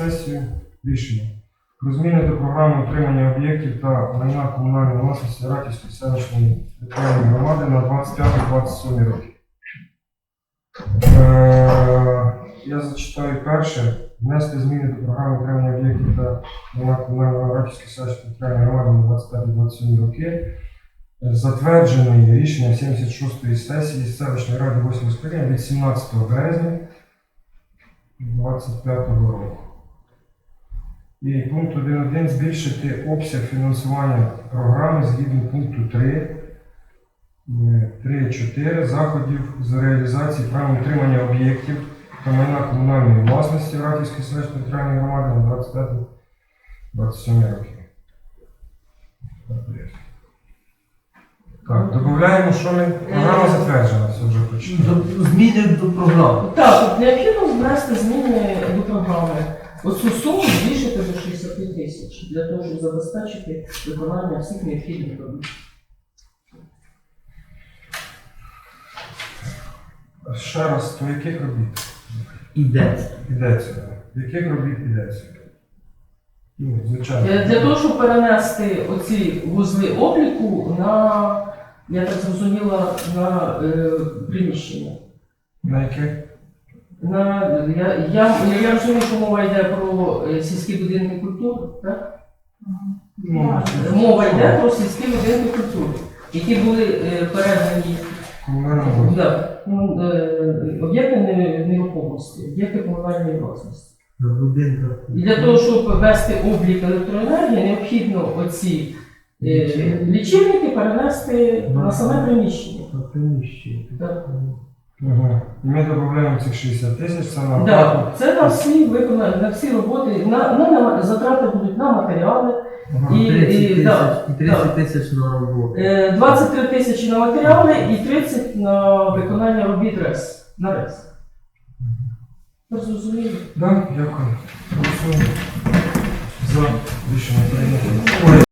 сесію. Рішення. Про зміни до програми утримання об'єктів та майна комунальної власності Ратівської селищної територіальної громади на 25-27 роки. Я зачитаю перше. Внести зміни до програми утримання об'єктів та майна комунальної Ратівської селищної територіальної громади на 25-27 роки. Затвердженої рішення 76-ї сесії селищної ради 8 скликання від 17 березня 2025 року. І пункт 1.1 збільшити обсяг фінансування програми згідно пункту 3.4 заходів з реалізації права утримання об'єктів та майна комунальної власності Ратівської селищної територіальної громади на 25-27 роки. Так, додаємо, що ми програма затверджена, це вже почитали. Зміни до програми. Так, необхідно внести зміни до програми. Оцю суму збільшити до 65 тисяч для того, щоб забезпечити виконання всіх необхідних робіт. Ще раз, то яких робіт? Йдеться. Йдеться. Яких робіт йдеться? Ну, звичайно. Для того, щоб перенести оці вузли обліку на, я так зрозуміла, на приміщення. На яке? Я розумію, що мова йде про сільські будинки культури, так? Мова йде про сільські будинки культури, які були передані об'єкти нерухомості, об'єкти комунальної власності. І для того, щоб ввести облік електроенергії, необхідно оці лічильники перенести на саме приміщення. На приміщення. Так. Угу. І ми додаємо цих 60 тисяч, це на Так, це на всі виконання, на всі роботи, затрати будуть на матеріали. І 30 тисяч на роботу. 23 тисячі на матеріали і 30 на виконання робіт РЕС. На РЕС. Ви зрозуміли? Так, дякую. Голосуємо. За рішення прийнято.